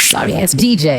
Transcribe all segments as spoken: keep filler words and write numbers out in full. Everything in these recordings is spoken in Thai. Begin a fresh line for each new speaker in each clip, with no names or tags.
Sorry ass ดี เจ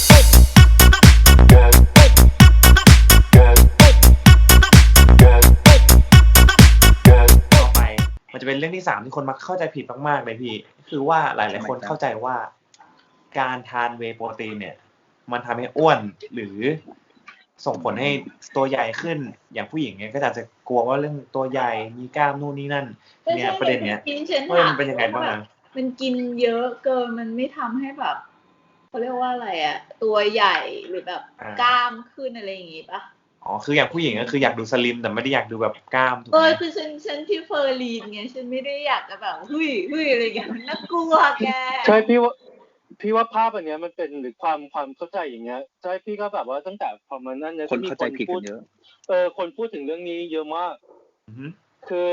ต่อไปมันจะเป็นเรื่องที่สามที่คนมักเข้าใจผิดมากๆเลยพี่คือว่าหลายๆคนเข้าใจว่าการทานเวย์โปรตีนเนี่ยมันทำให้อ้วนหรือส่งผลให้ตัวใหญ่ขึ้นอย่างผู้หญิงเนี่ยก็อาจจะกลัวว่าเรื่องตัวใหญ่มีกล้ามนู่นนี่นั่นเนี่ยประเด็นเนี้ยว่ามันเป็นยังไงบ้างนะ
มันกินเยอะเกินมันไม่ทำให้แบบเขาเรียกว่าอะไรอะตัวใหญ่หรือแบบกล้ามขึ้นอะไรอย่างงี้ปะ
อ๋อคืออย่างผู้หญิงก็คืออยากดูสลิมแต่ไม่ได้อยากดูแบบกล้ามถูกไหม
เออคือฉันฉันที่เฟอร์ลีนไงฉันไม่ได้อยากจะแบบหุ้ยหุ้ยอะไรอย่างเงี้ยมันน่ากลัวแก
ใช่พี่ว่าพี่ว่าภาพอันเนี้ยมันเป็นหรือความความเข้าใจอย่างเงี้ยใช่พี่ก็แบบว่าตั้งแต่พอมานั่นเนี่ย
คนเข้าใจผิดกันเยอะ
เออคนพูดถึงเรื่องนี้เยอะมากคือ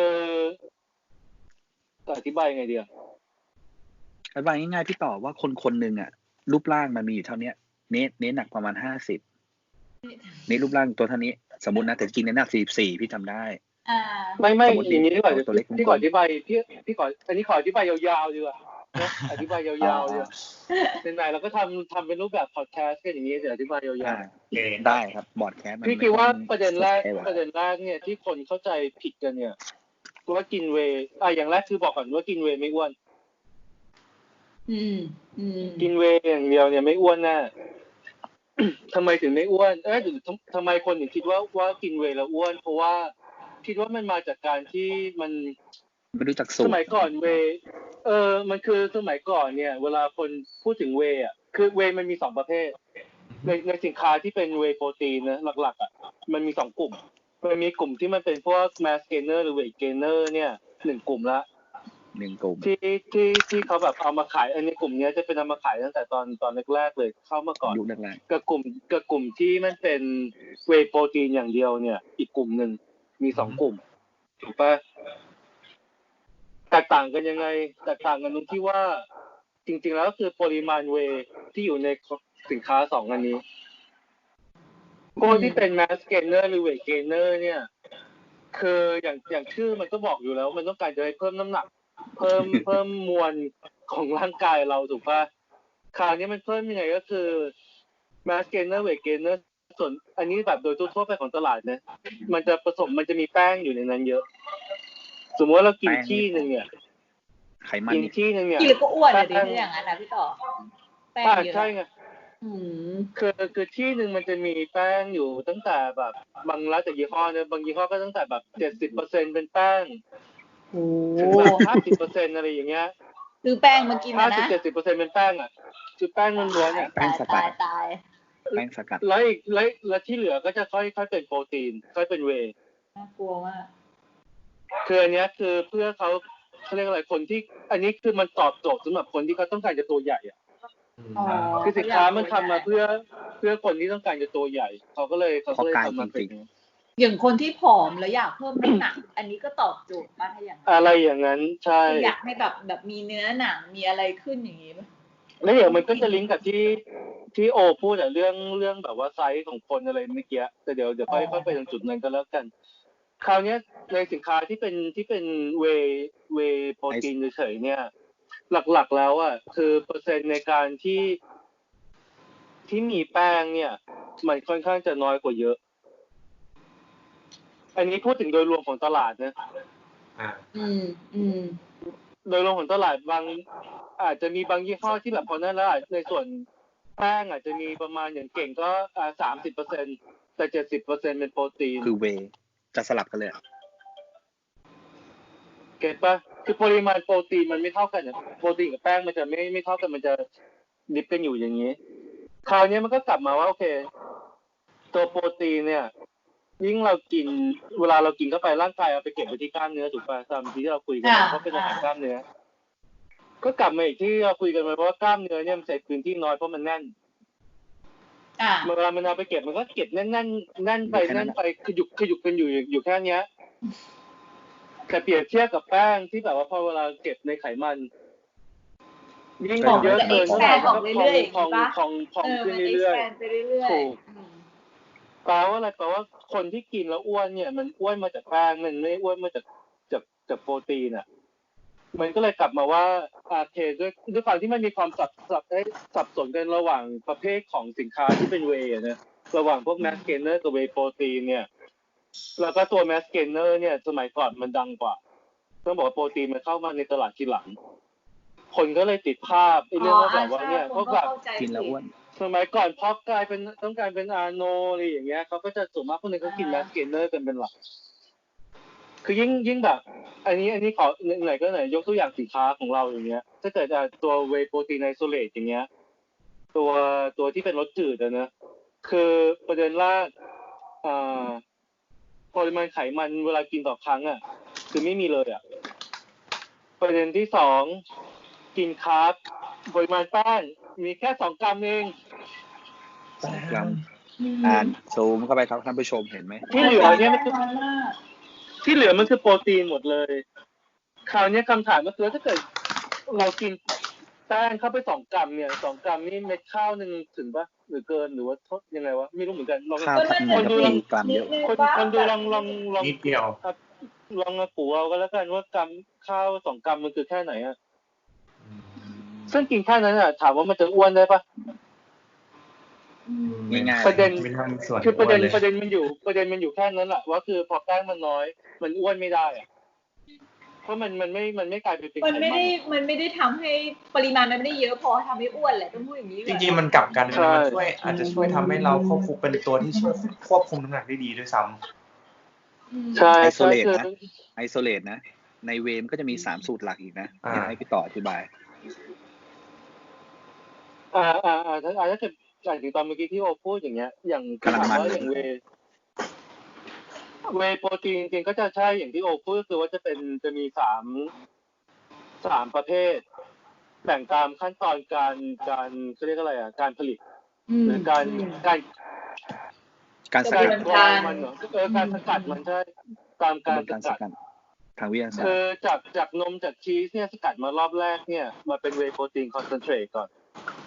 อธิบายยังไงดีอ่ะ
อธิบายง่ายๆพี่ตอบว่าคนคนหนึ่งอ่ะรูปร่างมันมีอยู่เท่านี้เนทเนทหนักประมาณห้าสิบเนทรูปร่างตัวเท่านี้สมมุตินะแต่จริงเนทหนักสี่สิบสี่พี่จำได้
อ่า
ไม่ไม่อย่างนี้ดีกว่าพี่ขออธิบายพี่พี่ขออันนี้ขออธิบายยาวๆดีกว่านะอธิบายยาวๆเลยเป็นไงเราก็ทำทำเป็นรูปแบบพอดแคสต์กันอย่างนี้เดี๋ยวอธิบายยาว
ๆได้ครับบอดแคสต์
พี่คิดว่าประเด็นแรกประเด็นแรกเนี่ยที่คนเข้าใจผิดกันเนี่ยว่ากินเวย์อ่ะอย่างแรกคือบอกก่อนว่ากินเวย์ไม่อ้วน
อืมอืม
กินเวย์อย่างเดียวเนี่ยไม่อ้วนแน่ทำไมถึงไม่อ้วนเอ๊ะหรือทำไมคนถึงคิดว่าว่ากินเวย์แล้วอ้วนเพราะว่าคิดว่ามันมาจากการที่มัน
ไม่รู้จักสูตร
สมัยก่อนเวย์เออมันคือสมัยก่อนเนี่ยเวลาคนพูดถึงเวย์อ่ะคือเวย์มันมีสองประเภทในในสินค้าที่เป็นเวย์โปรตีนนะหลักๆอ่ะมันมีสองกลุ่มมันมีกลุ่มที่มันเป็นพวก mass gainer หรือ weight gainer เนี่ยหนึ่งกลุ่มละ
หนึ่งกลุ่ม
ที่ที่ที่เขาแบบเอามาขายอันนี้กลุ่มนี้จะเป็นเอามาขายตั้งแต่ตอนตอนแรกๆเลยเข้ามาก่อน
ยุคแรก
ๆกับกลุ่มกับกลุ่มที่มันเป็นเวย์โปรตีนอย่างเดียวเนี่ยอีกกลุ่มหนึ่งมีสองกลุ่มถูกปะแตกต่างกันยังไงแตกต่างกันตรงที่ว่าจริงๆแล้วก็คือปริมาณเวย์ที่อยู่ในสินค้าสองอันนี้พวกที่เป็น mass gainer หรือ weight gainer เนี่ยคืออย่างอย่างชื่อมันก็บอกอยู่แล้วมันต้องการจะให้เพิ่มน้ำหนักเพิ่มเพิ่มมวลของร่างกายเราถูกป่ะคราวนี้มันเพิ่มยังไงก็คือ mass gainer weight gainer ส่วนอันนี้แบบโดยทั่วไปของตลาดนะมันจะผสมมันจะมีแป้งอยู่ในนั้นเยอะสมมติว่าเรากินที่นึงเนี่ย
ไขมัน
กินที่นึงเนี่ย
กินแล้วก็อ้วนเลยดิอย่างนั้นนะพี่ต่อ
แป้งเยอะใช่ไงคือคือที่นึงมันจะมีแป้งอยู่ตั้งแต่แบบบางร้านจากยี่ห้อเนี่ยบางยี่ห้อก็ตั้งแต่แบบ เจ็ดสิบเปอร์เซ็นต์ เป็นแป้งถึงแบบ ห้าสิบเปอร์เซ็นต์ อะไรอย่างเงี้ย
คือแป้งมากินนะ
ห้าสิบ เจ็ดสิบเปอร์เซ็นต์ เป็นแป้งอ่ะคือแป้งล้วนๆเนี่ย
แป้งสกัด
ตาย
แป้งสกัด
แล้วอีกแล้วแล้วที่เหลือก็จะค่อยค่อยเป็นโปรตีนค่อยเป็นเวย์
น่ากลัวมาก
คืออันเนี้ยคือเพื่อเขาเขาเรียกอะไรคนที่อันนี้คือมันตอบโจทย์สำหรับคนที่เขาต้องการจะตัวใหญ่อ่ะคือสินค้ามันทำมาเพื่อเพื่อคนที่ต้องการจะตัวใหญ่เขาก็เลยเขาก็เลยทำมาเป็น
อย่างคนที่ผอมแล้วอยากเพิ่มน้ำหนักอันนี้ก็ตอบโจทย์ป่ะถ้าอย่างนั้น
อะไรอย่างนั้นใช่
อยากให้แบบแบบมีเนื้อหนังมีอะไรขึ้นอย่างนี้ป่ะ
แล้วเดี๋ยวมันก็จะลิงก์กับที่ที่โอพูดแต่เรื่องเรื่องแบบว่าไซส์ของคนอะไรเมื่อกี้แต่เดี๋ยวเดี๋ยวค่อยค่อยไปตรงจุดนั้นก็แล้วกันคราวนี้ในสินค้าที่เป็นที่เป็นเวเวโปรตีนเฉยๆเนี่ยหลักๆแล้วอ่ะคือเปอร์เซ็นต์ในการที่ที่มีแป้งเนี่ยมันค่อนข้างจะน้อยกว่าเยอะอันนี้พูดถึงโดยรวมของตลาดนะ
อ่า
อืมอืม
โดยรวมของตลาดบางอาจจะมีบางยี่ห้อที่แบบพอนั้นแล้วในส่วนแป้งอาจจะมีประมาณอย่างเก่งก็อ่า สามสิบเปอร์เซ็นต์ แต่ เจ็ดสิบเปอร์เซ็นต์ เป็นโปรตีน
คือเวย์จะสลับกันเลย
เก็ทป่ะคือปริมาณโปรตีนมันไม่เท่ากันนะโปรตีนกับแป้งมันจะไม่ไม่เท่ากันมันจะดิฟกันอยู่อย่างนี้คราวนี้มันก็กลับมาว่าโอเคตัวโปรตีนเนี่ยยิ่งเรากินเวลาเรากินเข้าไปร่างกายเอาไปเก็บไว้ที่กล้ามเนื้อถูกป่ะตามที่เราคุยกันเพราะเป็นอาหารกล้ามเนื้อก็กลับมาอีกที่เราคุยกันไปเพราะว่ากล้ามเนื้อเนี่ยมันใช้พื้นที่น้อยเพราะมันแน่นเวลามันเอาไปเก็บมันก็เก็บแน่นแน่นแน่นไปแน่นไปขยุกขยุกกันอยู่อยู่แค่นี้แต่เปรียบเทียบกับแป้งที่แบบว่าพอเวลาเก็บในไขมันยิ่งเยอะเกินเท่าไหร่ก็พองพองพองขึ้นเรื่อยๆถูกแปลว่าอะไรแปลว่าคนที่กินแล้วอ้วนเนี่ยมันอ้วนมาจากแป้งมันไม่อ้วนมาจากจากจากโปรตีนอ่ะมันก็เลยกลับมาว่าอาเคด้วยด้วยความที่มันมีความสับสับสับสนกันระหว่างประเภทของสินค้าที่เป็นเวย์นะระหว่างพวกแมสเกนเนอร์กับเวย์โปรตีนเนี่ยแล้วก็ตัวแมสเกนเนอร์เนี่ยสมัยก่อนมันดังกว่าต้องบอกว่าโปรตีนมันเข้ามาในตลาดทีหลังคนก็เลยติดภาพไอ้เรื่องว่าแบบว่าเนี่ยพวกแบบ
กินแล้วอ้วน
สมัยก่อนพอกลายเป็นต้องการเป็นอาโนอะไรอย่างเงี้ยเขาก็จะส่วนมากพวกนึงก็กินแมสเกนเนอร์กันเป็นหลักคือยิ่งยิ่งแบบอันนี้อันนี้ขอไหนก็ไหนยกตัวอย่างสินค้าของเราอย่างเงี้ยถ้าเกิดตัวเวย์โปรตีนไอโซเลตอย่างเงี้ยตัวตัวที่เป็นรสจืดนะคือประเด็นแรกอ่าปริมาณไขมันเวลากินต่อครั้งอ่ะคือไม่มีเลยอ่ะประเด็นที่สองกินคาร์บปริมาณแป้งมีแค่สองกรัมเอง
สองกรัมอ่านซูมเข้าไปครับท่านผู้ชมเห็นไหม
ที่เหลือเนี่ยมันคือที่เหลือมันคือโปรตีนหมดเลยคราวนี้คำถามก็คือถ้าเกิดเรากินแป้งเข้าไปสองกรัมเนี่ยสองกรัมนี่เม็ดข้าวนึงถึงปะหรือเกินหรือว่าทดยังไงวะไม่รู้เหมือนกันลอง
คนดูลองกรัมเดียว
คนคนดูลองลองลอง
นิดเดียว
ลองมาปูเอาก็แล้วกันว่ากรัมข้าวสองกรัมมันคือแค่ไหนอ่ะซึ่งกินแค่นั้นอ่ะถามว่ามันจะอ้วนได้ปะ
ง่าย
ๆประเด็นคือประเด็นประเด็นมันอยู่ประเด็นมันอยู่แค่นั้นแหละว่าคือพอแป้งมันน้อยมันอ้วนไม่ได้อ่ะเพราะมันมันไม่มันไม่กลายเป็นเป็น
มันไม่ได้มันไม่ได้ทำให้ปริมาณมันไม่ได้เยอะพอทำให้อ้วนแหละต้องพูดอย่างนี้
จริงๆมันกลับกันมันช่วยอาจจะช่วยทำให้เราควบคุมเป็นตัวที่ช่วยควบคุมน้ำหนักได้ดีด้วยซ้
ำใช่
ไอโซเลตนะไอโซเลตนะในเวมก็จะมีสามสูตรหลักอีกนะอยากให้พี่ต่ออธิบาย
อ่าอ่าอ่าถ้าถ้าเกิดอย่างที่ตอนเมื่อกี้ที่โอพูดอย่างเงี้ยอย่าง
กำลังมัน
อย่างเวเวโปรตีนจริงๆก็จะใช่อย่างที่โอพูดคือว่าจะเป็นจะมีสามสามประเภทแบ่งตามขั้นตอนการการเขาเรียกอะไรอ่ะการผลิตหรือการการ
การส
กัดมันเหรอเออการสกัดมันใช่ตามการสกัด
ทางวิทยาศาสตร์
คือจากจากนมจากชีสเนี่ยสกัดมารอบแรกเนี่ยมาเป็นเวย์โปรตีนคอนเซนเทรตก่อน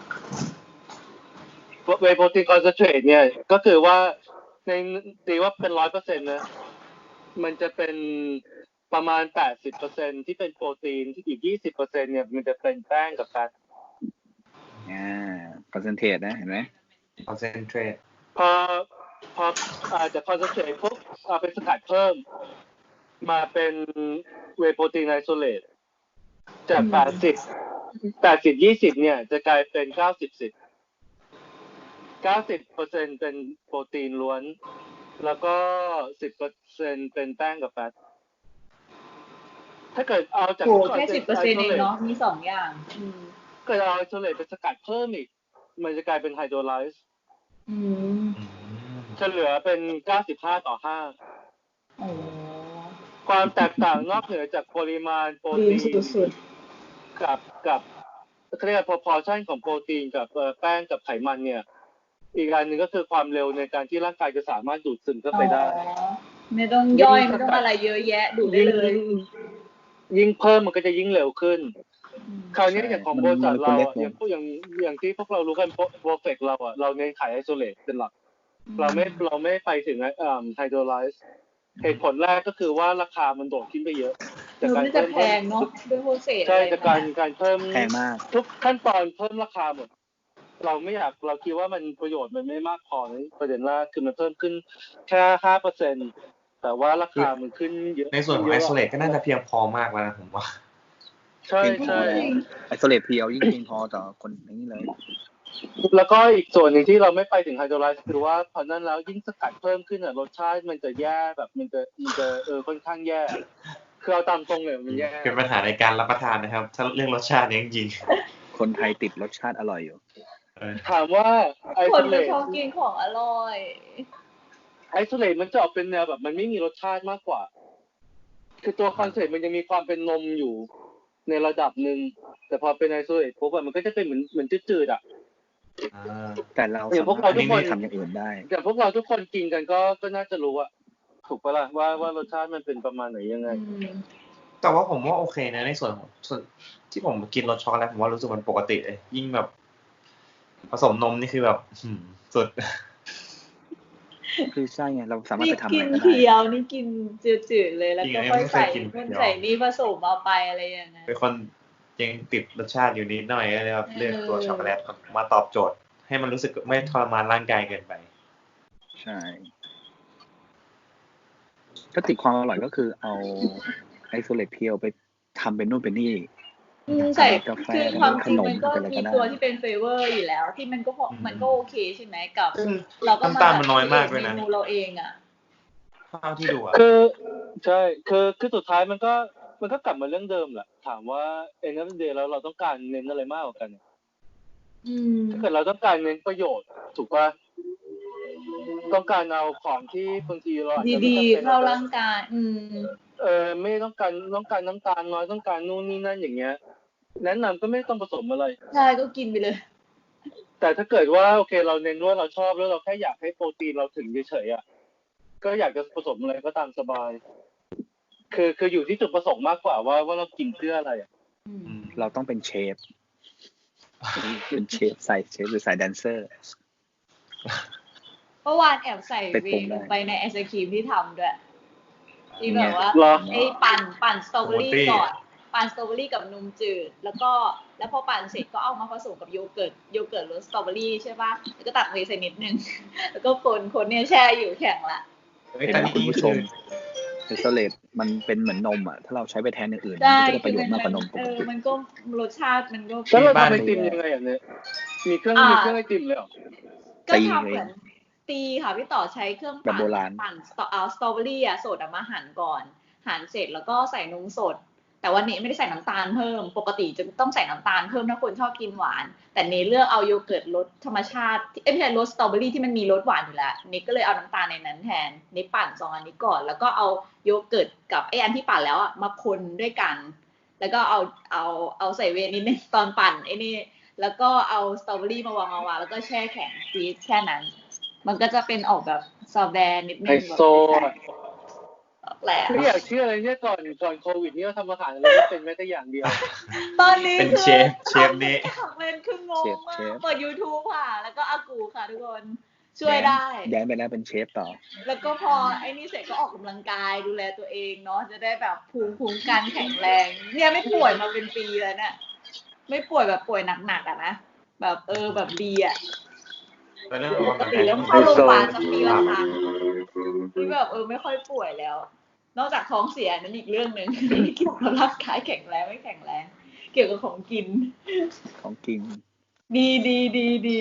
เวย์โปรตีนคอนเซนเทรตเนี่ยก็คือว่าในตีว่าเป็น ร้อยเปอร์เซ็นต์ นะมันจะเป็นประมาณ แปดสิบเปอร์เซ็นต์ ที่เป็นโปรตีนที่อีก ยี่สิบเปอร์เซ็นต์ เนี่ยมันจะเป็นแป้งกับแฟต
อ่าคอนเซนเทรตนะเห็นไหม
คอนเซนเทรต
พอพออาจจะคอนเซนเทรตปุ๊บเอาไปสกัดเพิ่มมาเป็นเวย์โปรตีนไอโซเลตจากแปดสิบ แปดสิบ ยี่สิบเนี่ยจะกลายเป็นเก้าสิบ สิบ เก้าสิบเปอร์เซ็นต์ เป็นโปรตีนล้วนแล้วก็ สิบเปอร์เซ็นต์ เป็นแป้งกับแฟตถ้าเกิดเอาจาก
แค่ สิบเปอร์เซ็นต์ เองเนาะมีสองอย่าง
เกิดเอาไอโซเลตไปสกัดเพิ่มอีกมันจะกลายเป็นไฮโดรไลซ์
อืม
จะเหลือเป็นเก้าสิบห้าต่อห้า
โอ้
ความแตกต่างนอกเหนือจากปริมาณโปรตีนกับกับเรียกว่า proportion ของโปรตีนกับแป้งกับไขมันเนี่ยอีกอันนึงก็คือความเร็วในการที่ร่างกายจะสามารถดูดซึมเข้าไปได้
ไม่ต้องย่อยไม่ต้องอะไรเยอะแยะดูดได้เลย
ยิ่งเพิ่มมันก็จะยิ่งเร็วขึ้นคราวนี้อย่างของบริษัทเราอย่างพวกอย่างอย่างที่พวกเรารู้กันโปรเฟกเราอ่ะเราเน้นขายไอโซเลตเป็นหลักเราไม่เราไม่ไปถึงอ่าไฮโดรไลซ์เหตุผลแรกก็คือว่าราคามันโดดขึ้นไปเยอะ
จากการเพิ่มแพงเนาะด้วยโปรเซส
ใช่จากการการเพิ่ม
แพงมาก
ทุกขั้นตอนเพิ่มราคาหมดเราไม่อยากเราคิดว่ามันประโยชน์มันไม่มากพอนี่ประเด็นแรกคือมันเพิ่มขึ้นแค่ ห้าเปอร์เซ็นต์ แต่ว่าราคามันขึ้นเยอะ
ในส่วนของไอโซเลตก็น่าจะเพียงพอมากแล้วนะผมว่า
ใช่ใช่
ไอโซเลตเพียวยิ่งเพียงพอต่อคนอย่างนี้เลย
แล้วก็อีกส่วนหนึ่งที่เราไม่ไปถึงไฮโดรไลซ์คือว่าพอนั้นแล้วยิ่งสกัดเพิ่มขึ้นอ่ะรสชาติมันจะแย่แบบมันจะมันจะเออค่อนข้างแย่คือเอาตามตรงเลยมันแย่
เป็นปัญหาในการรับประทานนะครับถ้าเรื่องรสชาติเนี่ยจริง
ๆคนไทยติดรสชาติอร่อยอยู่
ถามว่าไอโซเลต
ชอบกินของอร่อย
ไอโซเลตมันจะออกเป็นแนวแบบมันไม่มีรสชาติมากกว่าคือตัวคอนเซ็ปต์มันยังมีความเป็นนมอยู่ในระดับหนึ่งแต่พอเป็นไอโซเลตปุ๊บมันก็จะเป็นเหมือนเหมือนจืดๆอ่ะ
แต่เราสามารถทำอย่างอื่นได้
แต่พวกเราทุกคนกินกันก็ก็น่าจะรู้อะถูกปะล่ะว่าว่ารสชาติมันเป็นประมาณไหนยังไง
แต่ว่าผมว่าโอเคนะในส่วนของส่วนที่ผมกินรสช็อกโกแลตผมว่ารู้สึกมันปกติเลยยิ่งแบบผสมนมนี่คือแบบสุด
คือใช่ไงเราสามารถ
นี่
ไปทำอะ
กิ
ไร
น
ก็ได้
เพียวนี่กินจืดๆเลยแล้ว
จริง
ก็
อันนี้
ค่อย
ไม่เค
ใส่
ยกิน
นู่น
เพียว
ใส่นี่ผสมเอาไปอะไรอย่างนั้น
เป็นคนยังติดรสชาติอยู่นิดหน่อยก็เลยแบบเลือกตัว
เออ
ช็อกโกแลตมาตอบโจทย์ ให้มันรู้สึกไม่ทรมานร่างกายเกินไป
ใช่ ก็ติดความอร่อยก็คือเอาไอโซเลตเพียวไปทำเป็นนู่นเป็นนี่
อืมใส่
ทำเป็นกาแฟ
คือ
ทำ
ควา
เป็
ม
นข
จริง
นม
มันก็
เป็นอะไร
มี
ก็ได้
ตัวที่เป็นเฟเวอร์อยู่แล้ว ที่มันก็พอ
อืม
มันก็โอเคใช่ไหมกับ
ซึ่ง
เราก็มา
น้ำตาลมันน้อยมากด้วยนะ
เมนูเราเองอ่ะ
เท่าที่ดูอะ
คือใช่คือคือสุดท้ายมันก็มันก็กลับมาเรื่องเดิมแหละถามว่าเอ็นเอฟเดย์แล้วเราต้องการเน้นอะไรมากกว่ากัน
อืม
ถ้าเกิดเราต้องการเน้นประโยชน์ถูกป่ะต้องการเอาของที่บางทีเราอาจจะไม่
ดี
จำเป็น
ๆเข้าร่างกาย อืม
เออไม่ต้องการต้องการน้ำตาลน้อยต้องการนู่นนี่นั่นอย่างเงี้ยแนะนำก็ไม่ต้องผสมอะไร
ใช่ก็กินไปเลย
แต่ถ้าเกิดว่าโอเคเราเน้นว่าเราชอบแล้วเราแค่อยากให้โปรตีนเราถึงเฉยๆอ่ะก็อยากจะผสมอะไรก็ตามสบาย คือคืออยู่ที่จุดประสงค์มากกว่าว่าว่าเรากินเพื่ออะไรอ่ะ
อืม
อืม
เราต้องเป็นเชฟ เป็นเชฟใส่เชฟหรือใส่แดนเซอร์
เมื่อวานแอบใส่
ไป
เว
ปรุง
ย์
ได้
ลงไปในไอศครีมที่ทำด้วย ที่
เนี่
แบ
ย
บว่า
เหรอ
ไอ้ปั่นปั่นสตรอเบอรี่
Smoothie
ก่อน ปั่นสตรอเบอรี่กับนมจืด แล้วก็แล้วพอปั่นเสร็จก็เอามาผสมกับโยเกิร์ตโยเกิร์ตรสสตรอเบอรี่ใช่ป่ะแล้วก็ตักเวย์ใส่นิดนึง แล้วก็คนคนเนี่ยแช่อยู่แข็งละ
เฮ้ย
เห็น
แต่
ไหม
นี่
คุณผู้ช
คื
ม
อ
ไอโซเลตมันเป็นเหมือนนมอ่ะ ถ้าเราใช้ไปแทนอย่างอื่น
ได้
มันก็จะได้ประโยชน์
คือ
มากกว่านมป
เอก อ
ติ
มันก็รสชาติมันก็
แล้วเรา
บ้าน
ทำไอติมยังไงอ่ะเนี่ยมีเครื่อง
อ่ามี
มีเครื่องไอติมเลยเหรอ
ก็
ตี
ทำเห
เอ
มือง นตีค่ะพี่ต่อใช้เครื่อง
แบบ
ปั่น
โบราณ
ปั่นสตรอเอาสตรอเบอรี่อะสดอะมาหั่นก่อน หั่นเสร็จแล้วก็ใส่นมสด แต่วันนี้ไม่ได้ใส่น้ำตาลเพิ่ม ปกติจะต้องใส่น้ำตาลเพิ่มถ้าคนชอบกินหวาน แต่เนเลือกเอาโยเกิร์ตรสธรรมชาติเอ้ยไม่ใช่รสสตรอเบอรี่ที่มันมีรสหวานอยู่แล้วนี่ก็เลยเอาน้ำตาลในนั้นแทนนี่ปั่นสองอันนี้ก่อน แล้วก็เอาโยเกิร์ตกับไอ้อันที่ปั่นแล้วอะมาคนด้วยกัน แล้วก็เอาเอาเอาใส่เวย์นิดนึงตอนปั่นไอ้นี่ แล้วก็เอาสตรอเบอรี่มาวางมาวางแล้วก็แช่แข็งฟรีซแค่นั้น มันก็จะเป็นออกแบบซอฟต์แวร์นิดนึ
ไฮ
งแบบ
โซ
แหละ
ไม่อยากเชื่ออะไรเนี่ยก่อนก่อนโควิดนี่เราทำอาหารอะไรไม่เป็นแม้แต่อย่างเดียว
ตอนนี้
เป็น
คือ
เชฟเชฟนี้
ทำเป็นคืองง
เชฟ
มา
เช
ก
ฟ
เปิด YouTube ค่ะ แล้วก็อากูค่ะทุกคนช่วยได้
ย้ายไปแล้วเป็นเชฟต่อ
แล้วก็พอไอ้นี่เสร็จก็ออกกำลังกายดูแลตัวเองเนาะจะได้แบบภูมิคุ้มกันแข็งแรง เนี่ยไม่ป่วยมาเป็นปีแล้วเนี่ยไม่ป่วยแบบป่วยหนักๆอะนะแบบเออแบบดีอะ
แล้วเรื่อง
ป
ออก
ก
กำลัง
ติ
กาย
เริ่มเข้าโรงพยาบาลสักปีละครั้งที่แบบเออไม่ค่อยป่วยแล้ว นอกจากท้องเสียนั่นอีกเรื่องหนึ่ง ไม่เกี่ยวกับร่างกายแข็งแรงไม่แข็งแรง เกี่ยวกับของกิน
ของกิน
ดีดีดีดี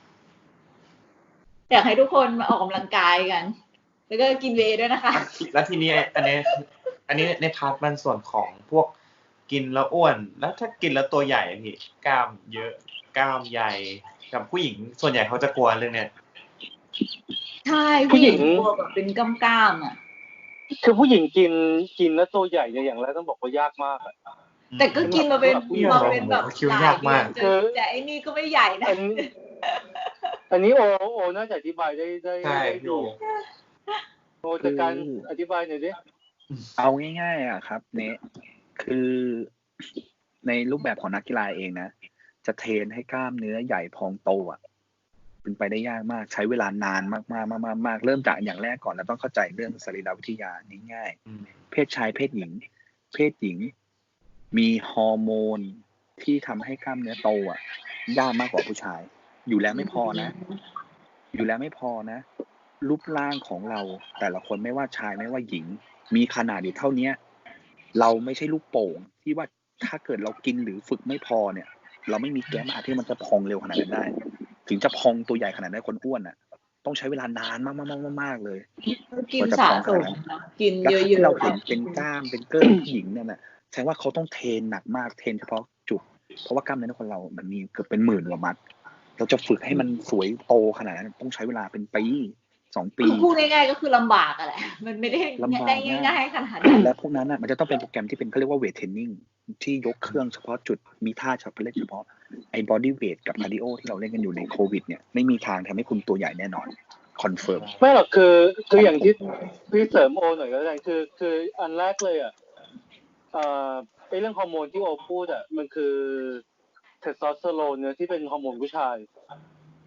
อยากให้ทุกคนมาออกกำลังกายกัน แล้วก็กินเวย์ด้วยนะคะ
แล้วทีนี้อันนี้อันนี้ในพาร์ทมันส่วนของพวกกินแล้วอ้วน แล้วถ้ากินแล้วตัวใหญ่พี่กล้ามเยอะกล้ามใหญ่กับผู้หญิงส่วนใหญ่เขาจะกลัวเรื่องเนี้ย
ใช่
ผู้
ผู้
ห
ห
ญิ
ญิ
ง
งตัวแบบเป็นกล้ามๆอ่ะ
คือผู้หญิงกินกินแล้วตัวใหญ่เนี่ยอย่างแรกต้องบอกว่ายากมากอะ
แต่ก็กินมาเป็น
ผู้หญิง
มาเป็นแบบ
คิว
หลาย
ยาก
เดื
มา
อก นจะจะไอ้นี่ก็ไม่ใหญ่นะ
อันนี้อันนี้โอโอน่าจะอธิบายได้ได้
ใช่
ได้
พี่
ดี
โอ
โอจากการอธิบายหน่อยดิ
เอาง่ายๆอ่ะครับเนะคือในรูปแบบของนักกีฬาเองนะจะเทรนให้กล้ามเนื้อใหญ่พองโตอ่ะเป็นไปได้ยากมากใช้เวลานานมากๆมากๆเริ่มจากอย่างแรกก่อนเราต้องเข้าใจเรื่องสรีรวิทยาง่ายๆเพศชายเพศหญิง เพศหญิงมีฮอร์โมนที่ทำให้กล้ามเนื้อโตอ่ะยากมากกว่าผู้ชาย อยู่แล้วไม่พอนะ อยู่แล้วไม่พอนะ รูปร่างของเราแต่ละคนไม่ว่าชายไม่ว่าหญิง มีขนาดอยู่เท่านี้เราไม่ใช่ลูกโป่งที่ว่าถ้าเกิดเรากินหรือฝึกไม่พอเนี่ย เราไม่มีแก้มอาที่มันจะพองเร็วขนาดนั้นได้ ถึงจะพองตัวใหญ่ขนาดนั้นคนอ้วนอ่ะ ต้องใช้เวลานานมากๆๆๆเลย
กินสะสมนะกิน
แล้ว
เยอะ
ที่
ๆ
เราเห็นเป็นกล้ามเป็นเกิ้งผู้หญิงเนี่ยนะแสดงว่าเขาต้องเทรนหนักมากเทรนเฉพาะจุดเพราะว่ากล้ามเนื้อคนเรามันมีเกือบเป็นหมื่นกว่ามัดเราจะฝึกให้มันสวยโตขนาดนั้นต้องใช้เวลาเป็นปีสองปี
คือพูดง่ายๆก็คือลำบากอะแหละ มันไม่ได้
ลำบาก
ได้
มาก
ง่ายๆขนาดนั้น
และพวกนั้นน่ะมันจะต้องเป็นโปรแกรมที่เป็นเขาเรียกว่าเวทเทรนนิ่งที่ยกเครื่องเฉพาะจุดมีท่าเฉพาะเล่นเฉพาะไอ้บอดี้เวทกับคาร์ดิโอที่เราเล่นกันอยู่ในโควิดเนี่ยไม่มีทางทำให้คุณตัวใหญ่แน่นอนคอนเฟิร์ม
ไม่หรอกคือคืออย่างที่พี่เสริมโอหน่อยก็ได้คือคืออันแรกเลยอ่ะเอ่อไอ้เรื่องฮอร์โมนที่โอพูดอ่ะมันคือเทสโทสเตอโรนเนี่ยที่เป็นฮอร์โมนผู้ชาย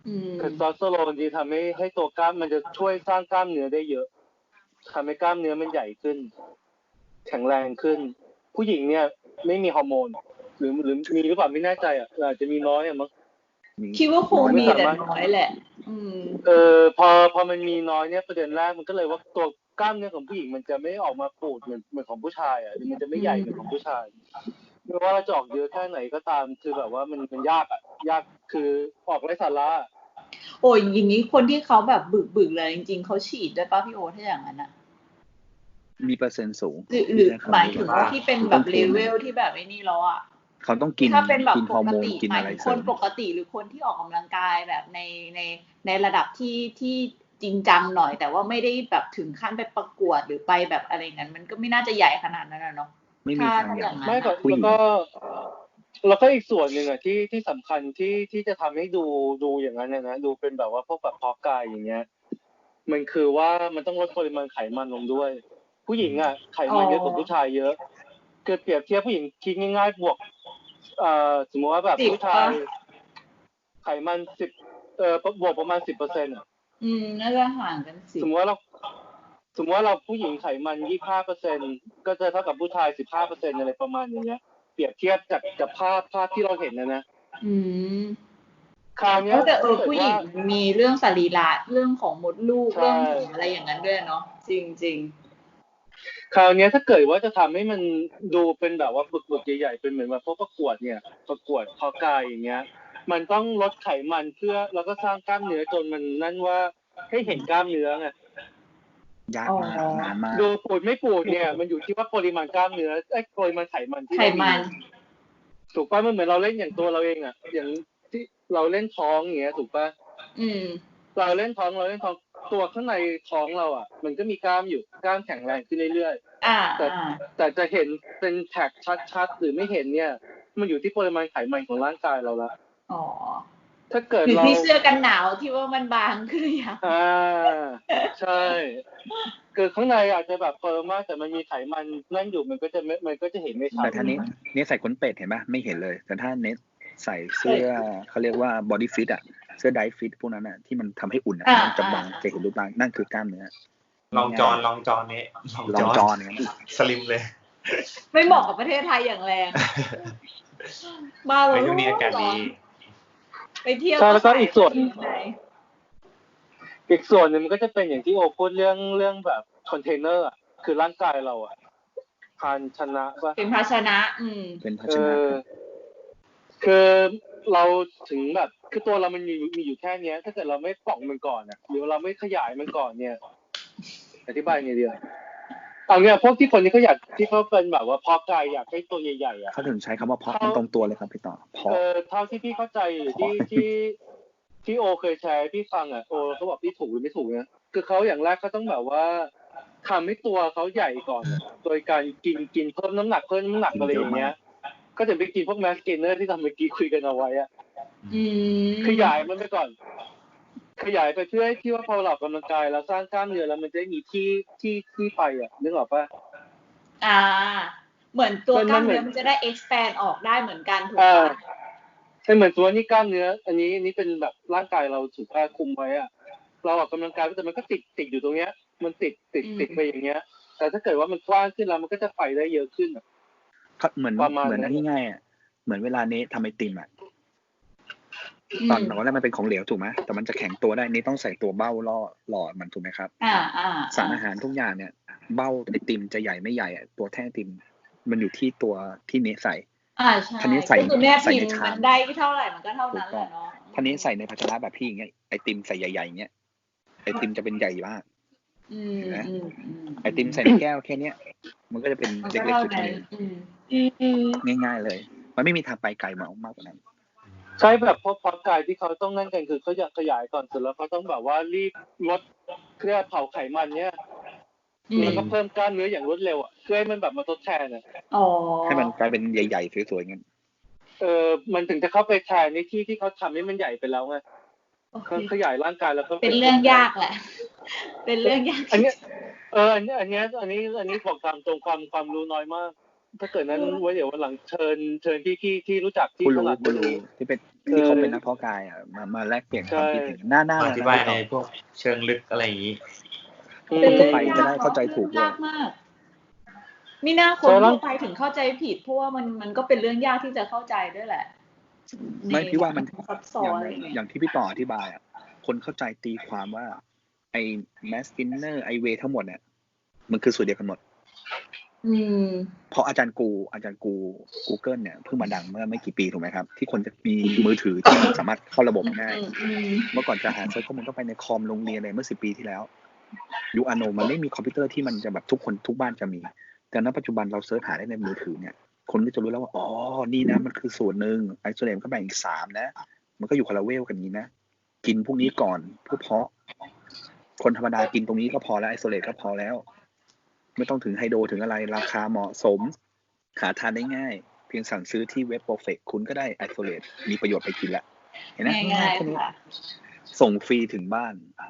อืม
เทสโทสเตอโรนที่ทำให้ให้ตัวกล้ามมันจะช่วยสร้างกล้ามเนื้อได้เยอะทำให้กล้ามเนื้อมันใหญ่ขึ้นแข็งแรงขึ้นผู้หญิงเนี่ยไม่มีฮอร์โมนหรือหรือมีหรือเปล่าไม่แน่ใจอ่ะอาจจะมีน้อยอ่ะมั้ง
คิดว่าคงมีแต่น้อยแหละ อืม
เออพอพอมันมีน้อยเนี่ยประเด็นแรกมันก็เลยว่าตัวกล้ามเนื้อของผู้หญิงมันจะไม่ออกมาปูดเหมือนเหมือนของผู้ชายอ่ะมันจะไม่ใหญ่เหมือนของผู้ชายไม่ว่าเราจะออกเยอะแค่ไหนก็ตามคือแบบว่ามันมันยากอ่ะยากคือออกไร้สาระ
โอ้ยอย่างนี้คนที่เขาแบบบึกบึกเลยจริงๆเขาฉีดได้ป่ะพี่โอถ้าอย่างนั้นอ่ะ
มีเปอร์เซ็นต์สูง
หรือหรือหมายถึงว่าที่เป็นแบบเลเวลที่แบบไอ้นี่แล้วอ่ะ
เขาต้องกิน
ถ้าเป็นแบบ
กิน
ป
ฮอร์
ก
โมน
ติ
กิน
หมา
อะ
ย
ไร
ถึง
เส
ค
ริ
น
ม
ปกติหรือคนที่ออกกำลังกายแบบในในในระดับที่ที่จริงจังหน่อย แต่ว่าไม่ได้แบบถึงขั้นไปประกวดหรือไปแบบอะไรงั้นมันก็ไม่น่าจะใหญ่ขนาดนั้นนะเนาะ
ไม่มี
ถ้า
ทาง
ถ้า
อ
อย่าง นั้น
ไม่ก็
อะ
ผู้หญิ
แล้ว
ง
ก็แล้วก็อีกส่วนหนึ่งอ่ะที่ที่สำคัญที่ที่จะทำให้ดูดูอย่างนั้นนะดูเป็นแบบว่าพวกแบบเพาะกายอย่างเงี้ยมันคือว่ามันต้องลดปริมาณไขมันลงด้วย ผู้หญิงอ่ะไขมันเยอะกว่าผู้ชายเยอะเกิดเปรียบเทียบผู้หญิงคิดง่ายๆบวกเอ่อสมมติว่าแบบ
สิบ
ผู้ชาย
ปะ
ไขมันสิบเอ่อบวกประมาณสิบเปอร์เซ็นต์อ่ะ
อืมน่าจะห่างกันสิ
สมมติว่าเราสมมติว่าเราผู้หญิงไขมันยี่สิบห้าเปอร์เซ็นต์ก็จะเท่ากับผู้ชายสิบห้าเปอร์เซ็นต์อะไรประมาณอย่างเงี้ยเปรียบเทียบจากจากภาพภาพที่เราเห็นนะนะ
อืม
คราวเนี้ย
แต่เออ
ถ้าเกิด
ผู้หญิ
ว่าง
มีเรื่องสรีระเรื่องของมดลูก
ใช่
เรื่องของอะไรอย่างนั้นด้วยเนาะจริงจริง
คราวเนี้ยถ้าเกิดว่าจะทำให้มันดูเป็นแบบว่าบึกๆใหญ่ๆเป็นเหมือนแบบพวกประกวดเนี่ยประกวดเพาะกายอย่างเงี้ยมันต้องลดไขมันเพื่อแล้วก็สร้างกล้ามเนื้อจนมันนั่นว่าให้เห็นกล้ามเนื้อไง
ยากมากนานมาก
ดูปูดไม่ปูดเนี่ยมันอยู่ที่ว่าปริมาณกล้ามเนื้อไอ้ปริมาณไขมันที่
ไข
เรา
มั
มี
น
ถูกป่ะมันเหมือนเราเล่นอย่างตัวเราเองอ่ะอย่างที่เราเล่นท้องอย่างเงี้ยถูกป่ะ
อืม
เราเล่นท้องเราเล่นท้องตัวข้างในท้องเราอ่ะมันก็มีกล้ามอยู่กล้ามแข็งแรงขึ้นเรื่อย
อ่า
ๆแต่
อ่า
แต่จะเห็นเป็นแท็กชัดๆหรือไม่เห็นเนี่ยมันอยู่ที่ปริมาณไขมันของร่างกายเราละ
อ๋อ
ถ้าเกิด
หรือ
เรา
ที่เสื้อกันหนาวที่ว่ามันบางขึ้นหรือยัง
อ่าใช่คือข้างในอาจจะแบบเฟิร์มมากแต่มันมีไขมันนั่นอยู่มันก็จะไม่มันก็จะเห็นไม่ชั
แต่
ด
ถ้าเน็ตเน็ตใส่ขนเป็ดเห็นปะไม่เห็นเลย แต่ถ้าเน็ตใส่เสื้อเขาเรียกว่าบอดี้ฟิตอ่ะเสื้อไดฟิตพวกนั้นอ่ะที่มันทำให้อุ่นอ่ะ
อ่า
มันจะบาง
อ่า
จะเห็นรูปร่างนั่นคือกล้ามเนื้อ
ลองจอนลองจอนนี้
ลองจอนอย่างนั้น
สลิมเลย
ไม่เหมาะกับประเทศไทยอย่างแรง บ้า
ไป
เรา
ช่วงนี้อากาศดี
ไปเที่ยว
ใช่แล้วก็อีกส่วน
ไหน
อีกส่วนหนึ่งมันก็จะเป็นอย่างที่โอพูดเรื่องเรื่องแบบคอนเทนเนอร์อ่ะคือร่างกายเราอ่ะภาชนะป่ะ
เป็นภาชนะ อืม
เป็นภา
เอ
ชนะ
อคือเราถึงแบบคือตัวเรามันมีมีอยู่แค่เนี้ย ถ้าเกิดเราไม่ป่องมันก่อนอ่ะหรือเราไม่ขยายมันก่อนเนี่ย อธิบายไงดีอ่ะเอาเนี่ยพวกที่คนที่เขาอยากที่เขาเป็นแบบว่าเพาะกายอยากให้ตัวใหญ่ๆอ่ะ
เขาถึงใช้คำว่าเพาะมันตรงตัวเลยครับพี่ต่อเพาะ
เออเท่าที่พี่เข้าใจที่ที่ที่โอเคยแชร์ให้พี่ฟังอ่ะโอเขาบอกพี่ถูกหรือไม่ถูกนะคือเขาอย่างแรกเขาต้องแบบว่าทำให้ตัวเขาใหญ่ก่อนอะโดยการกินกินเพิ่มน้ำหนักเพิ่มน้ำหนักอะไรอย่างเงี้ย ก็จะไปกินพวกแมสเกนเนอร์ที่ทำเมื่อกี้คุยกันเอาไว้อ่ะ
อืม
ขยายมันไปก่อน ขยายไปเพื่อให้ที่ว่าพอเราออกกำลังกายแล้วสร้างกล้ามเนื้อแล้วมันจะมีที่ที่ที่ไปอ่ะนึกออกปะ
อ่า เหมือนตัว
มัน
กล้าม
มันเหมื
เนื้
อ
อน มันจะได้ expand ออกได้เหมือนกันถูก
อ่า
ปะ
ใช่เหมือนตัวนี้กล้ามเนื้อ อันนี้อันนี้เป็นแบบร่างกายเราถูกผ้าคลุมไว้อะเราออกกำลังกายแต่มันก็ติดติดอยู่ตรงเนี้ย มันติดติดติดไปอย่างเงี้ย แต่ถ้าเกิดว่ามันกว้างขึ้นแล้วมันก็จะไปได้เยอะขึ้นอะ
เขาเหมือน
ประมาณ
เหมือน
นั้น
ที่ง่ายอ่ะเหมือนเวลาเนททำไอติมอ่ะ
อืม
ตอนตอนแรกมันเป็นของเหลวถูกไหมแต่มันจะแข็งตัวได้นี่ต้องใส่ตัวเบ้าล่อหล่อมันถูกไหมครับ
อ่าอ่า
สารอาหารทุกอย่างเนี่ย เบ้าไอติมจะใหญ่ไม่ใหญ่อะตัวแท่งไอติม มันอยู่ที่ตัวที่เนทใส่
อ่าใช่
คันนี้ใส่
ก็คือแม่
ใส่
พิม
ใน
พ์
ชาม
มันได้เท่าไหร่มันก็เท่า
ถู
นั้
ก
น
ต้
แห
อง
ละเนาะ
ท่านี้ใส่ในภาชนะแบบพี่อย่างเงี้ยไอติมใส่ใหญ่ๆอย่างเงี้ยไอติมจะเป็นใหญ่มาก
อืม
เห็นไหม
อืมอืม
ไอติมใส่ในแก้วแค่เนี้ยมันก็จะเป็น
มัน
เล็
ก็
กๆ
เท่า
อยู่แค่
นั้น
นี้
อืม
ง่ายๆเลย มันไม่มีทางไปไกลมากมากกว่านั้น
ใช่แบบพวกเพาะกายที่เขาต้องนั่นกันคือเขาอยากขยายก่อนเสร็จแล้วเขาต้องแบบว่ารีบลดเครื่องเผาไขมันเนี่ย
อืม
แล้วก็เพิ่มกล้ามเนื้ออย่างรวดเร็วอ่ะเพื่อให้มันแบบมาทดแทนอ่ะ
อ๋อ
ให้มันกลายเป็นใหญ่ๆสวยๆงั้น
เออมันถึงจะเข้าไปแทนในที่ที่เขาทำให้มันใหญ่ไปแล้วไง
โอเค
เขาขยายร่างกายแล้วก็
เป็นเรื่องยากแหละ เป็นเรื่องยาก
อันเนี้ยเอออันเนี้ยอันเนี้ยอันนี้อันนี้บอกตามตรงความความรู้น้อยมากถ้าเกิดนั้นไว้เดี๋ยววันหลังเชิญเชิญพี่ที่ที่รู้จักที่
ผู้
ถ
รู้
นัด
ผู้
เรื่อง
รู้
นี้
ที่เป็นที่เขาเป็นนักเพาะกายอ่ะมามาแลกเปลี่ยนความคิดเห็นหน้าหน้า
มาอธิบายในพวกเชิงลึกอะไรอย่างนี้
อืม
เป็นเรื่อง
ไป
ยาก
จะได้เข้าใจถูกด้วย
ยากมากมีหน้าคนทั่วไปถึงเข้าใจผิดเพราะว่ามันมันก็เป็นเรื่องยากที่จะเข้าใจด้วยแหละ
ไม่พี่ว่ามัน
ซับซ้อ
อน ย่าง
อะไรอย่างเงี้ย
อย่างที่พี่ต่ออธิบายอ่ะคนเข้าใจตีความว่าไอ้แมสกินเนอร์ไอเวทั้งหมดเนี่ยมันคือสูตรเดียวกันหมด
อืม
เพราะอาจารย์กูอาจารย์กู Google เนี่ยเพิ่งมาดังเมื่อไม่กี่ปีถูกไหมครับ ที่คนจะมีมือถือที่สามารถเข้าระบบง่าย
อืมอืม
เมื่อก่อนจะหาเซิร์ชข้อมูลต้องไปในคอมโรงเรียนอะไรเมื่อสิบปีที่แล้วยุคอโนมันไม่มีคอมพิวเตอร์ที่มันจะแบบทุกคนทุกบ้านจะมี แต่ณปัจจุบันเราเซิร์ชหาได้ในมือถือเนี่ยคนก็จะรู้แล้วว่าอ๋อนี่นะมันคือสูตรหนึ่งไอโซเลตก็แบ่งอีกสามนะ มันก็อยู่คนละเวลกันนี้นะกินพวกนี้ก่อนเพื่อเพาะคนธรรมดากินตรงนี้ก็พอแล้วไอโซเลตก็พอแล้วไม่ต้องถึงไฮโดรถึงอะไรราคาเหมาะสมหาทานได้ง่ายเพียงสั่งซื้อที่เว็บ Perfect คุณก็ได้ไอโซเลตมีประโยชน์ไปกินละเห็นไหม
ง่าย
แค่นี้
ๆค่ะ
ส่งฟรีถึงบ้าน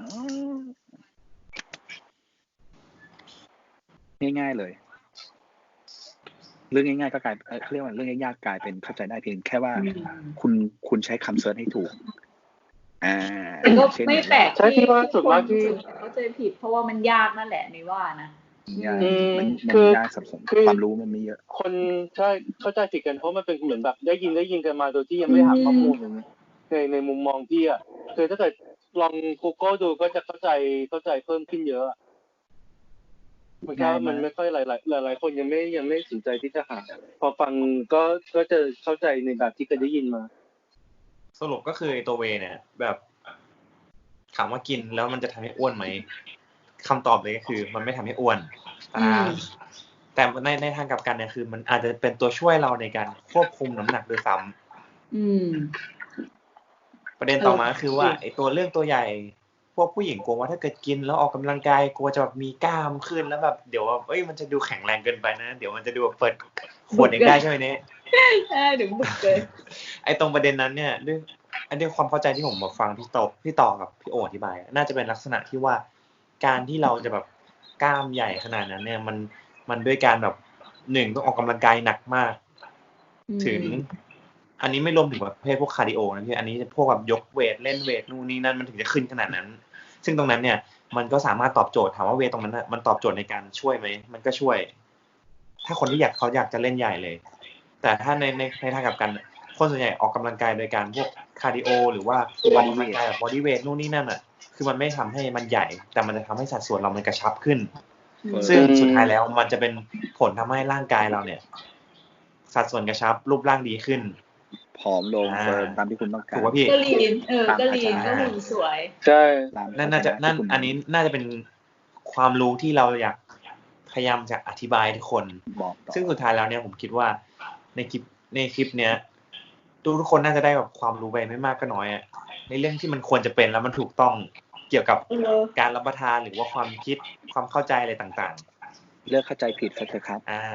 ง่ายๆเลยเรื่องง่ายๆก็กลายเขาเรียกว่าเรื่องยากๆกลายเป็นเข้าใจได้เพียงแค่ว่า
อืม
คุณคุณใช้คำเซิร์ชให้ถูกอ่า
ก็
เช่น
ไม่แปลก
ใช่ที่ว่าส่วนมากที่
คนเข้าใจผิด เพราะว่ามันยากนั่นแหละในว่านะ
ยาก
อืม
มัน
คื
มัน
อ
ยากสับสน
คือ
ความรู้มันไม่เยอะ
คนใช่เข้าใจผิดกันเพราะมันเป็นเหมือนแบบได้ยินได้ยินกันมาโดยที่ยังไม่ได้หาข้อมูลอย่างเงี้ยในในมุมมองพี่อ่ะคือถ้าเกิดลอง Google ดูก็จะเข้าใจเข้าใจเพิ่มขึ้นเยอะอะมันก็
ง่ายมาก
มันไม่ค่อยหลายหลายหลายหลายคนยังไม่ยังไม่สนใจที่จะหาพอฟังก็ก็จะเข้าใจในแบบที่เคยได้ยินมา
สรุปก็คือไอ้ตัวเวย์เนี่ย แบบถามว่ากินแล้วมันจะทำให้อ้วนไหมคำตอบเลยก็คือ มันไม่ทำให้อ้วน
อื
อ่าม แต่ในในทางกลับกันเนี่ยคือ มันอาจจะเป็นตัวช่วยเราในการควบคุมน้ำหนักด้วยซ้ำ
อืม
ประเด็นต่อมาคือว่าไอ้ตัวเรื่องตัวใหญ่ พวกผู้หญิงกลัวว่าถ้าเกิดกินแล้วออกกำลังกายกลัวจะแบบมีกล้ามขึ้นแล้วแบบเดี๋ยวว่าเอ้ยมันจะดูแข็งแรงเกินไปนะเดี๋ยวมันจะดูแบบเปิดขวดเองได้ใช่ไหมเนี่ย
ใช่ถึงบุกเกิน
ไอ้ตรงประเด็นนั้นเนี่ยด้วยอันนี้ความเข้าใจที่ผมมาฟังพี่ต่อพี่ต่อกับพี่โออธิบายน่าจะเป็นลักษณะที่ว่าการที่เราจะแบบกล้ามใหญ่ขนาดนั้นเนี่ยมันมันด้วยการแบบหนึ่งต้องออกกำลังกายหนักมาก ถึง อันนี้ไม่รวมถึงประเภทพวกคาร์ดิโอนะพี่อันนี้พวกแบบยกเวทเล่นเวทนู่นนี่นั่นมันถึงจะขึ้นขนาดนั้น ซึ่งตรงนั้นเนี่ยมันก็สามารถตอบโจทย์ถามว่าเวทตรงนั้นมันตอบโจทย์ในการช่วยไหมมันก็ช่วย ถ้าคนที่อยากเขาอยากจะเล่นใหญ่เลย แต่ถ้าในในในทางกลับกันคนส่วนใหญ่ออกกำลังกายโดยการพวกคาร์ดิโอหรือว่าออกกำลังกายแบบบอดี้เวทนู่นนี่นั่นอ่ะคือมันไม่ทำให้มันใหญ่ แต่มันจะทำให้สัดส่วนเรามันกระชับขึ้น ซึ่งสุดท้ายแล้วมันจะเป็นผลทำให้ร่างกายเราเนี่ย สัดส่วนกระชับรูปร่างดีขึ้น
ผอมลงเฟิร์มตามที่คุณต้องการ
ถูกป่ะพี่
ก็ลีนเออ
ตาม
ก็ลีน
อา
ก็
จารย์
หุ่นสวย
ใช่
ตาม
นั่นน่าจะนั่น
ที่คุณ
อันนี้น่าจะเป็นความรู้ที่เราอยากพยายามจะอธิบายให้ทุกคน
บอกต่อ
ซึ่งสุดท้ายแล้วเนี่ยผมคิดว่าในคลิปในคลิปเนี้ยทุกทุกคนน่าจะได้แบบความรู้ไปไม่มากก็น้อยอะในเรื่องที่มันควรจะเป็นแล้วมันถูกต้องเกี่ยวกับ
เออ
การรับประทานหรือว่าความคิดความเข้าใจอะไรต่าง
เลิกเข้าใจผิดซะเถอะครับ
ๆ อ่า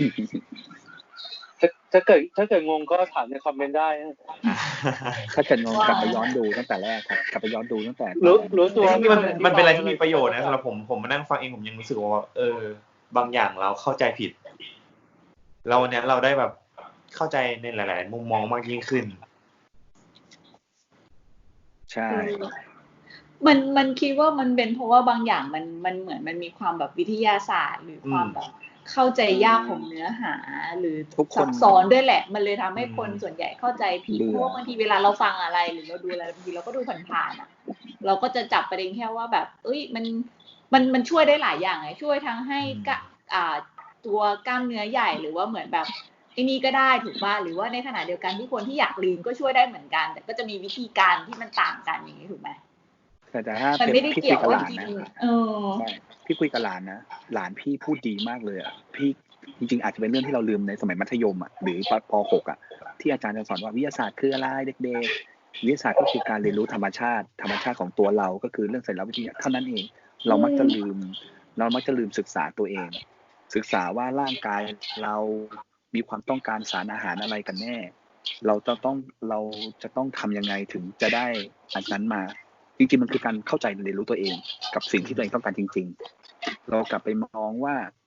ถ้าถ้าเกิดถ้าเกิดงงก็ถามในคอมเมนต์ได้นะ
ถ้าเกิดงงกลับไปย้อนดูตั้งแต่แรกครับกลับไปย้อนดูตั้งแต่
รู้รู้ตัว
จริงๆมันมันเป็นอะไรที่มีประโยชน์นะสำหรับผมผมมานั่งฟังเองผมยังรู้สึกว่าเออบางอย่างเราเข้าใจผิด เราเนี่ยเราได้แบบเข้าใจในหลาย ๆ มุมมองมากยิ่งขึ้น
ใช่
มันมันคิดว่ามันเป็นเพราะว่าบางอย่างมันมันเหมือนมันมีความแบบวิทยาศาสตร์ หรือความแบบเข้าใจยากของเนื้อหา หรือ
ทุกคน
ซับซ้อนด้วยแหละ มันเลยทำให้คน
อืม
ส่วนใหญ่เข้าใจผิด
เบื่อ
เพราะว่าบางทีเวลาเราฟังอะไร หรือเราดูอะไรบางทีเราก็ดูผ่านๆอ่ะ เราก็จะจับประเด็นแค่ว่าแบบ เอ้ยมันมันมันช่วยได้หลายอย่างไงช่วยทั้งให้กะอ่าตัวกล้ามเนื้อใหญ่หรือว่าเหมือนแบบไอ้นี่ก็ได้ถูกป่ะหรือว่าในขณะเดียวกันที่คนที่อยากลีนก็ช่วยได้เหมือนกัน แต่ก็จะมีวิธีการที่มันต่างกันอย่างนี้ถูกไหม
แต่แต่ถ้า
มัน
เป็น
ไม่ได้
พี่
เกี่
คุ
ย
ยว กับห
ว่า
ลาน
กิน
นะ
เออ
ใช่พี่คุยกับหลานนะหลานพี่พูดดีมากเลยอ่ะพี่จริงๆอาจจะเป็นเรื่องที่เราลืมในสมัยมัธยมอ่ะหรือป .หก อ่ะที่อาจารย์จะสอนว่าวิทยาศาสตร์คืออะไรเด็กๆวิทยาศาสตร์ก็คือการเรียนรู้ธรรมชาติธรรมชาติของตัวเราก็คือเรื่องสารวิทยาเท่านั้นเองเรามักจะลืมเรามักจะลืมศึกษาตัวเอง ศึกษาว่าร่างกายเรามีความต้องการสารอาหารอะไรกันแน่ เราจะต้องเราจะต้องทำยังไงถึงจะได้อันนั้นมาจริงๆมันคือการเข้าใจเรียนรู้ตัวเองกับสิ่งที่ตัวเองต้องการจริงๆเรากลับไปมองว่า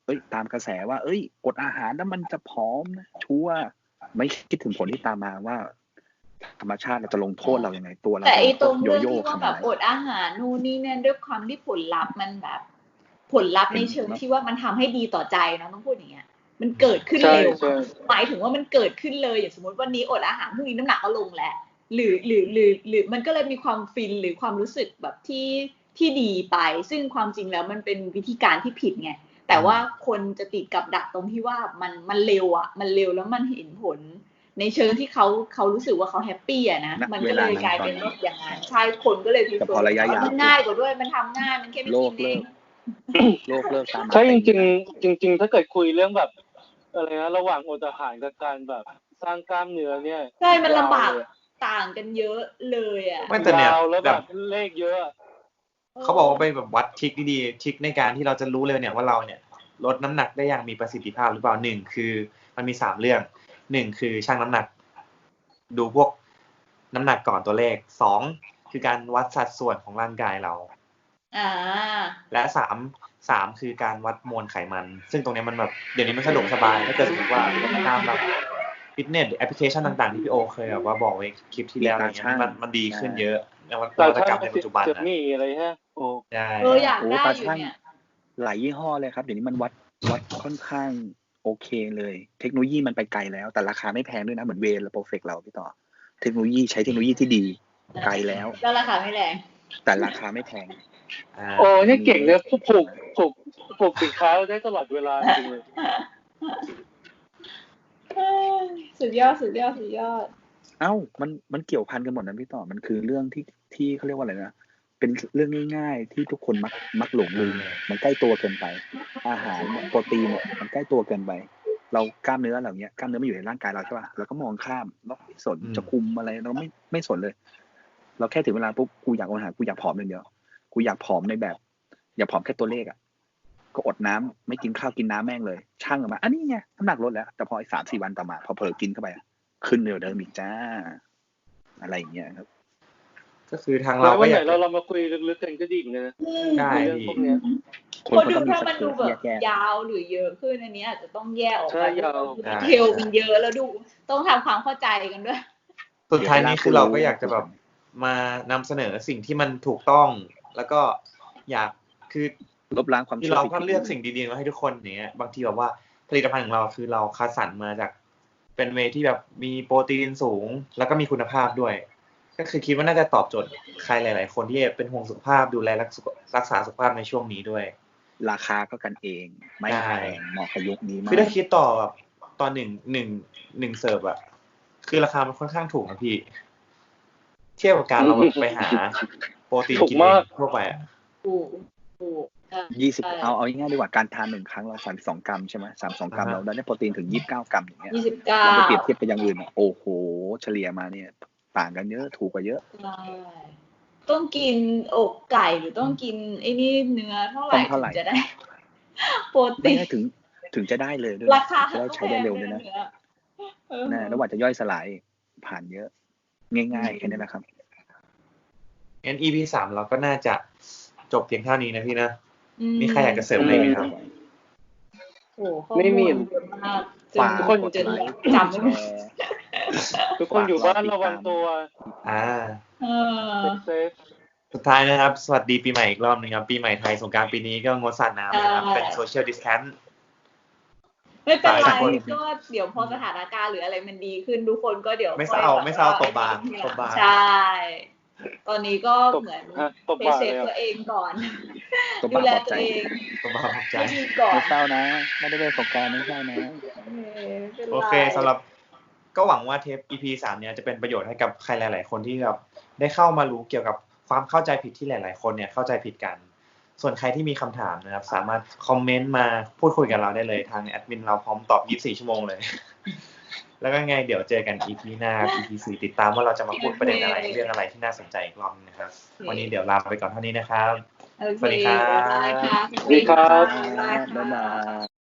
เอ้ยตามกระแสว่า เอ้ยอดอาหารแล้วมันจะผอมนะชัวร์ไม่คิดถึงผลที่ตามมาว่า ธรรมชาติเราจะลงโทษเรายังไงตัวเรา
แต่ไอ้ต
จะ
รง
โย
เรื่อง
โย่
ที่ว่า
ข
แบ
นาด
บ
ไหน
อดอาหารนู่นนี่นั่นด้วยความที่ผลลัพธ์มันแบบ ผลลัพธ์ในเชิงที่ว่ามันทำให้ดีต่อใจเนาะต้องพูดอย่างเงี้ย มันเกิดขึ้น
ใช่
เร็ว
ใช่
หมายถึงว่ามันเกิดขึ้นเลยอย่างสมมติวันนี้อดอาหารพรุ่งนี้น้ำหนักก็ลงแล้วหรือหรือหรือหรือมันก็เลยมีความฟินหรือความรู้สึกแบบที่ที่ดีไป ซึ่งความจริงแล้วมันเป็นวิธีการที่ผิดไงแต่ว่าคนจะติดกับดักตรงที่ว่ามันมันเร็วอ่ะมันเร็วแล้วมันเห็นผล ในเชิงที่เขาเขารู้สึกว่าเขาแฮปปี้อะนะ
ณ
มัน
เว
ก็เล
ลาย นั้น
กลาย
ตอน
เป็น
นั้น
ว่าอย่างนั้นใช่คนก็เลยพิ
แต่
เศ
พอ
ษ
ระยะยาว
มันง่ายกว่าด้วยมันทำง่ายมันแค่ไม่
โล
กิ
ก
นเอ
เลิ
ง
ก โลกเลิกตามมา
ใช่
เต็
จ
ม
ริง
นะ
ๆ จริง ๆ ถ้าเกิดคุยเรื่องแบบอะไรนะระหว่างอดอาหารกับการแบบสร้างกล้ามเนื้อเนี่ย
ใช่มันลำบาก
ยาวเลย
ต่างกันเยอะเลยอะ
ไม่แต่เนี่ย
ยาวแล้ว
แบ
แบบ บเลขเยอะอะ
เขาบอกว่าไปแบบวัดทริคดีๆทริคในการที่เราจะรู้เลยเนี่ยว่าเราเนี่ยลดน้ำหนักได้อย่างมีประสิทธิภาพหรือเปล่าหนึ่งคือมันมีสามเรื่องหนึ่งคือชั่งน้ำหนัก ดูพวกน้ำหนักก่อนตัวเลขสองคือการวัดสัดส่วนของร่างกายเรา
อ่า
และสามสามคือการวัดมวลไขมัน ซึ่งตรงนี้มันแบบเดี๋ยวนี้มันสะดวกสบายถ้าเกิดสมมติว่าตามแบบฟิตเนสแอปพลิเคชันต่างๆที่พี่โอเคยแบบว่าบอกไว้คลิปที่แล้วอะไรเงี้ยมันมันดีขึ้นเยอะนวั
แต่
ตกรรมในปัจจุบัน
เกือบ
นะ
มีอะไรฮะโอ้
ใช่
เอออยาก
โอ้
ได้
ตา
อยู่
ช่าง
เนี่ย
หลายยี่ห้อเลยครับเดี๋ยวนี้มันวัดวัดค่อนข้างโอเคเลย เทคโนโลยีมันไปไกลแล้ว แต่ราคาไม่แพงด้วยนะเหมือนเวย์และโปรเฟกเราพี่ต่อ เทคโนโลยีใช้เทคโนโลยีที่ดีไกลแล้ว
แล้วราคาไม่แรง
แต่ราคาไม่แพง
อ่า
โอ้เนี่ยเก่งเนี่ยผูกผูกผูกผูกสินค้าได้ตลอดเวลาจริงเลย
สุดยอดสุดยอดสุดยอด
เอ้ามันมันเกี่ยวพันกันหมดนะพี่ต่อมันคือเรื่องที่ที่เขาเรียกว่าอะไรนะเป็นเรื่องง่ายๆที่ทุกคนมักมักหลงลืมมันใกล้ตัวเกินไป อาหารเนี่ยโปรตีนเนี่ยมันใกล้ตัวเกินไป เรากล้ามเนื้อเหล่านี้กล้ามเนื้อมันอยู่ในร่างกายเราใช่ป่ะเราก็มองข้ามเราไม่สนจะคุมอะไรเราไม่ไม่สนเลย เราแค่ถึงเวลาปุ๊บกูอยากอดอาหารกูอยากผอมอย่างเดียวกูอยากผอมในแบบ อยากผอมแค่ตัวเลขอ่ะก็อดน้ำไม่กินข้าวกินน้ำแม่งเลยช่างออกมาอันนี้ไงน้ำหนักลดแล้วแต่พออีกสามสี่วันต่อมาพอเผลอกินเข้าไปขึ้นเร็วเดิมอีกจ้าอะไรอย่างเงี้ยครับ
ก็คือทาง
แล้
เรา
ว
ก็
วัน
อ
ไหน
ยาก
เราเรามาคุยลึกๆกันก็ดีเหมือนกันนะ
ได้
เรื่อง
พี่
พวกเนี้ย
คน
คน
เขา
ดู
ต้องมี
ถ้า
ส
มัน
เก
ดู
ล
แบบ
แยก
ยาวหรือเยอะขึ้นอันนี้อาจจะต้องแยกออก
ใช่
ไป
ยาว
ดีเทลมันเยอะแล้วดูต้องทำความเข้าใจกันด้วย
สุดท้ายนี้คือเราก็อยากจะแบบมานำเสนอสิ่งที่มันถูกต้อง แล้วก็อยากคือ
ลบล้างความ
ที่
เชื่อ
เรา
ผิด
ก็เลือกสิ่งดีๆมาให้ทุกคนอย่างเงี้ยบางทีแบบว่าผลิตภัณฑ์ของเราคือเราคัดสรรมาจากเป็นเวย์ที่แบบมีโปรตีนสูง แล้วก็มีคุณภาพด้วย ก็คือคิดว่าน่าจะตอบโจทย์ใครหลายๆคนที่เป็นห่วงสุขภาพดูแลรักษาสุขภาพในช่วงนี้ด้วย
ราคาก็กันเองไม่
ใช่
แพงเหมาะกับยุคนี้มา
คือก ถ้าคิดต่อแบบตอนหนึ่งหนึ่งหนึ่งเสิร์ฟอะคือราคามันค่อนข้างถูกนะพี่ เทียบกับการเราแบบไปหาโปรตีน
ถูก
กินเอ
มาก
งทั่วไปอะ
ถูกถูก
ยี่สิบเอาเอาง่ายๆดีกว่าการทานหนึ่งครั้งเราสามสิบสองกรัมใช่ไหมสามสิบสองกรัมเราได้โปรตีนถึงยี่สิบเก้ากรัมอย่างเงี้ย
ยี่สิบเก้า
เราไปเปรียบเทียบกับอย่างอื่นอะโอ้โหเฉลี่ยมาเนี่ยต่างกันเยอะถูกกว่าเยอะ
ใช่ต้องกินอกไก่หรือต้องกินไอ้นี่เนื้อเท่าไหร่
ต้องเท่าไหร่
ถึงจะได้ โปร
ไม่
ตีน
ได้ถึงถึงจะได้เลยด้วย
ราคา
จะได้ใช้ได้เร็วด้วยนะ
เนื้อเออ
นะแล้วว่าจะย่อยสลายผ่านเยอะ ง่ายๆแค่นี้แหละครับ
งั้น อี พี สามเราก็น่าจะจบเพียงเท่านี้นะพี่นะ
อื
มีใครอยากจะเสริมอะไรไหมครับ
โอ้ข้อ
ไม่มี
ลเยอะมากจน
ฝาก
ทุกคน
กด
จะ
ไลค์
จำไม่หมด
แชร์
ทุกคนอยู่บ้านระวังตัว
อ่า
เออ
เซฟ
สุดท้ายนะครับ สวัสดีปีใหม่อีกรอบหนึงครับ ปีใหม่ไทยสงกรานต์ปีนี้ก็งดสาดน้ำนะครับ
ใช่
เป็นโซเชียลดิสแทนซ์
ไม่เป็นไร
ฝากคน
ก็เดี๋ยวพอสถานการณ์หรืออะไรมันดีขึ้นทุกคนก็เดี๋ยว
ไม่เศร้า
ค่อยแบบ
ไม่เศร้า
ว่
ตบบางตบบาง
ใช่ ตอนนี้ก็
ตบ
เหมือน
ฮะตบ
เซ
บ่า
ฟ
เลย
ตัว
อะ
เองก่อน
ตบ
ดู
บ่า
แล
ปลอบ
ตั
ใจ
วเอง
ตบบางขอบใจ
ให้ดีก่อน
ไม่เศร้านะ ไม่ได้เป็นสงกรานต์ไม่เศร้านะ
เออไม่เป็นไร
โอเคสำหรับก็หวังว่าเทป อี พี สามเนี่ยจะเป็นประโยชน์ให้กับใครหลาย ๆ คนที่แบบได้เข้ามารู้เกี่ยวกับความเข้าใจผิดที่หลาย ๆ คนเนี่ยเข้าใจผิดกัน ส่วนใครที่มีคำถามนะครับสามารถคอมเมนต์มาพูดคุยกับเราได้เลยทางแอดมินเราพร้อมตอบยี่สิบสี่ชั่วโมงเลย แล้วก็ไงเดี๋ยวเจอกัน อี พี หน้า อี พี สี่ติดตามว่าเราจะมาพูดประเด็นอะไรเรื่องอะไรที่น่าสนใจอีกรอบนึงนะครับ วันนี้เดี๋ยวลาไปก่อนเท่านี้นะครับ
โอเค
สวัสดีครับ
บ๊ายบายค่ะ
สวัสดีครับ
บ๊ายบายค่ะ
บ๊ายบาย